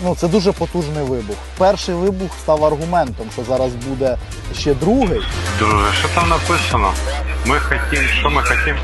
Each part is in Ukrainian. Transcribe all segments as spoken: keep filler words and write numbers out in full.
Ну, це дуже потужний вибух. Перший вибух став аргументом, що зараз буде ще другий. Друже, що там написано? Ми хотім, що ми хотім?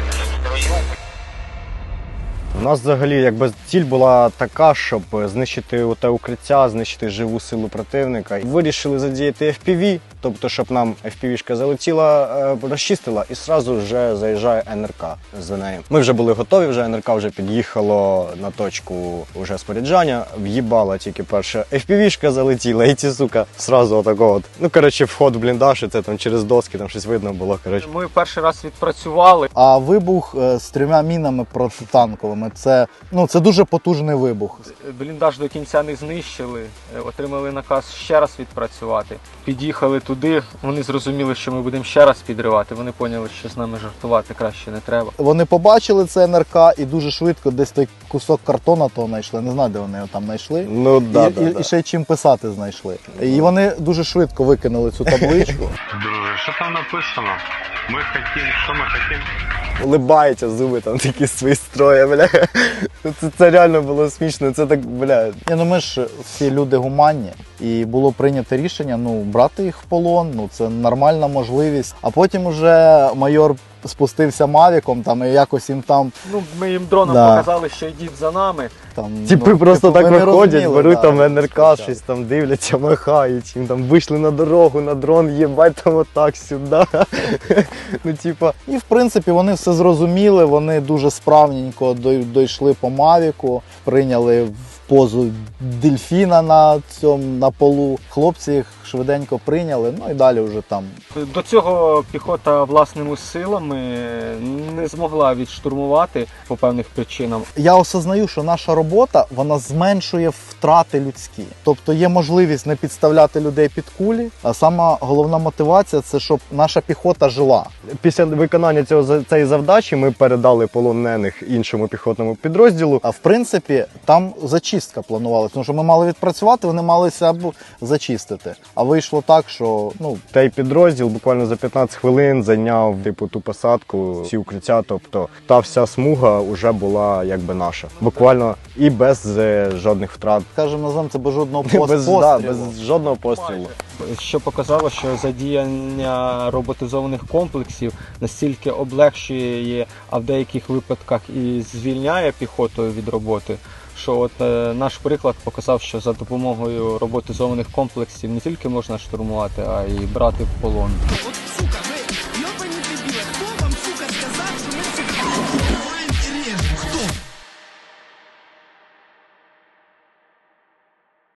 У нас взагалі якби ціль була така, щоб знищити те укриття, знищити живу силу противника. Вирішили задіяти еф пі ві, тобто щоб нам еф пі ві-шка залетіла, розчистила і одразу вже заїжджає ен ер ка за нею. Ми вже були готові, вже ен ер ка вже під'їхало на точку вже споряджання, в'їбала тільки перша еф пі ві-шка залетіла і ці, сука, одразу отако от. Ну, коротше, вход в бліндаж, і це там через доски, там щось видно було, коротше. Ми перший раз відпрацювали. А вибух е, з трьома мінами протитанковими, це, ну, це дуже потужний вибух. Бліндаж до кінця не знищили, отримали наказ ще раз відпрацювати. Під'їхали туди, вони зрозуміли, що ми будемо ще раз підривати. Вони поняли, що з нами жартувати краще не треба. Вони побачили це ен ер ка і дуже швидко десь той кусок картона того знайшли. Не знаю, де вони його там знайшли. Ну, да, і, да, і, да. і ще й чим писати знайшли. І вони дуже швидко викинули цю табличку. Друже, що там написано? Ми хотім, що ми хотім? Улибається, зуби там такі свої строї, бля. Це, це реально було смішно, це так, бля. Ні, ну ми ж всі люди гуманні, і було прийнято рішення, ну, брати їх в полон, ну, це нормальна можливість. А потім уже майор спустився мавіком, там, і якось їм там... Ну, ми їм дроном Да. показали, що йдіть за нами. там Типи ну, просто типу, так ви не виходять, розуміли, беруть да, там ен ер ка, спочатку. щось там дивляться, махають, їм там вийшли на дорогу, на дрон, їбать там отак сюди. Ну, типа. І, в принципі, вони все зрозуміли, вони дуже справненько дой- дійшли по мавіку, прийняли в позу дельфіна на цьому, на полу. Хлопці їх швиденько прийняли, ну і далі вже там. До цього піхота власними силами не змогла відштурмувати по певних причинам. Я осознаю, що наша робота, вона зменшує втрати людські. Тобто є можливість не підставляти людей під кулі, а сама головна мотивація – це щоб наша піхота жила. Після виконання цього за- цієї завдачі ми передали полонених іншому піхотному підрозділу. А в принципі, там зачистка планувалася, тому що ми мали відпрацювати, вони малися або зачистити. А вийшло так, що, ну, Той підрозділ буквально за п'ятнадцять хвилин зайняв типу ту посадку, всі укриття, тобто та вся смуга вже була якби наша. Буквально і без е, жодних втрат. скажімо, називаємо це без жодного пост- Без, пострілу. да, без жодного пострілу. Що показало, що задіяння роботизованих комплексів настільки облегшує, а в деяких випадках і звільняє піхоту від роботи, що от е, наш приклад показав, що за допомогою роботизованих комплексів не тільки можна штурмувати, а й брати в полон. От